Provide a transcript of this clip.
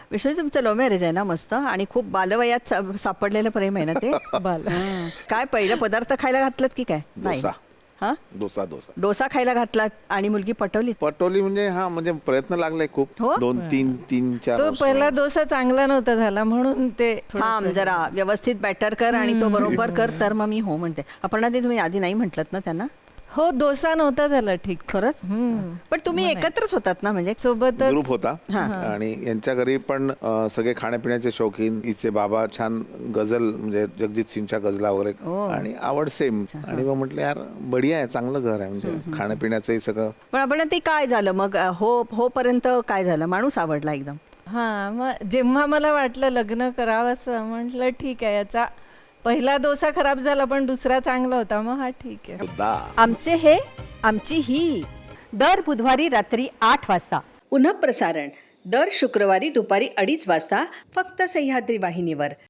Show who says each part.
Speaker 1: विष्णू तुमचं love marriage आहे ना मस्त आणि खूप बालवयात सापडलेलं प्रेम आहे ना ते. काय पहिलं पदार्थ खायला घातलात की काय? नाही.
Speaker 2: डोसा.
Speaker 1: हा,
Speaker 2: डोसा
Speaker 1: डोसा खायला घातलात आणि मुलगी पटवली.
Speaker 2: पटोली म्हणजे म्हणजे प्रयत्न लागलाय खूप.
Speaker 1: हो?
Speaker 2: 2-3-4
Speaker 3: तो पहिला डोसा चांगला नव्हता झाला म्हणून ते
Speaker 1: थांब जरा व्यवस्थित बॅटर कर आणि तो बरोबर कर तर मग मी हो म्हणते. अपर्णा ते तुम्ही आधी नाही म्हटलत ना त्यांना?
Speaker 3: हो डोसा नव्हता झाला ठीक.
Speaker 1: खरंच? पण तुम्ही एकत्रच होतात ना म्हणजे
Speaker 3: सोबतच
Speaker 2: ग्रुप होता आणि यांच्या घरी पण सगळे खाण्यापिण्याचे शौकीन. हिचे बाबा छान गझल म्हणजे जगजित सिंगच्या गझला वगैरे आणि आवड सेम. आणि मग म्हटलं यार बढिया आहे, चांगलं घर आहे म्हणजे खाण्यापिण्याचंही सगळं.
Speaker 1: पण आपण ते काय झालं मग हो पर्यंत काय झालं? माणूस आवडला एकदम?
Speaker 3: हा मग जेव्हा मला वाटलं लग्न करावं असं म्हटलं ठीक आहे, याचा पहिला डोसा खराब झाला पण दुसरा चांगला होता, मग हा ठीक आहे.
Speaker 1: आमचे हे आमची ही दर बुधवारी रात्री 8 वाजता पुनः प्रसारण दर शुक्रवारी दुपारी 2:30 वाजता फक्त सह्याद्री वाहिनीवर.